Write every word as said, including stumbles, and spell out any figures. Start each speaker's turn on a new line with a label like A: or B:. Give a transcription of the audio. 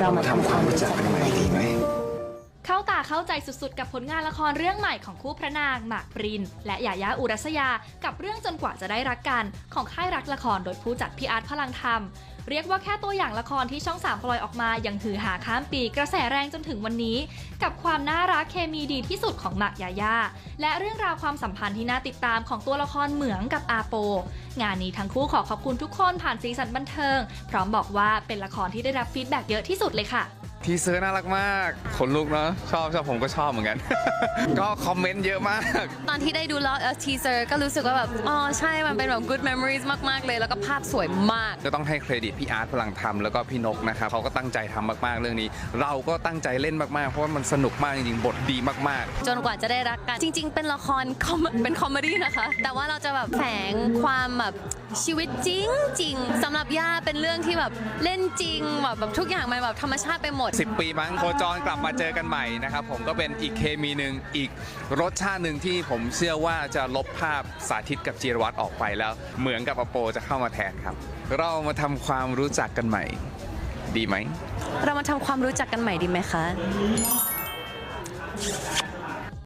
A: เรามาทำความรู้จักกันใหม่ดีไหม
B: เข้าตาเข้าใจสุดๆกับผลงานละครเรื่องใหม่ของคู่พระนางหมากปรินและหยายาอุรัสยากับเรื่องจนกว่าจะได้รักกันของค่ายรักละครโดยผู้จัดพี่อาร์ตพลังธรรมเรียกว่าแค่ตัวอย่างละครที่ช่องสามปล่อยออกมายังฮือหาข้ามปีกระแสแรงจนถึงวันนี้กับความน่ารักเคมีดีที่สุดของหมากยายาและเรื่องราวความสัมพันธ์ที่น่าติดตามของตัวละครเหมืองกับอาโปงานนี้ทั้งคู่ขอขอบคุณทุกคนผ่านสีสันบันเทิงพร้อมบอกว่าเป็นละครที่ได้รับฟีดแบ็กเยอะที่สุดเลยค่ะ
C: ทีเซอร์น่ารักมากขนลุกเนาะชอบชอบผมก็ชอบเหมือนกัน ก็คอมเมนต์เยอะมาก
D: ตอนที่ได้ดูแล้วทีเซอร์ก็รู้สึกว่าแบบอ๋อใช่มันเป็นแบบ good memories มากๆเลยแล้วก็ภาพสวยมาก
C: ก็ต้องให้เครดิตพี่อาร์ตพลังธรรมแล้วก็พี่นกนะครับเขาก็ตั้งใจทำมากๆเรื่องนี้เราก็ตั้งใจเล่นมากๆเพราะว่ามันสนุกมากจริงๆบทดีมาก
D: ๆจนกว่าจะได้รักกันจริงๆเป็นละครเป็นคอมเมดี้นะคะแต่ว่าเราจะแบบแฝงความแบบชีวิตจริงจริงสำหรับย่าเป็นเรื่องที่แบบเล่นจริงแบบแบบทุกอย่างมันแบบธรรมชาติไปหมด
C: สิบปีมั้งโคจรกลับมาเจอกันใหม่นะครับผมก็เป็นอีกเคมีหนึ่งอีกรสชาติหนึ่งที่ผมเชื่อว่าจะลบภาพสาธิตกับจีรวัตรออกไปแล้วเหมือนกับอโปจะเข้ามาแทนครับเรามาทำความรู้จักกันใหม่ดีไหม
D: เรามาทำความรู้จักกันใหม่ดีไหมคะ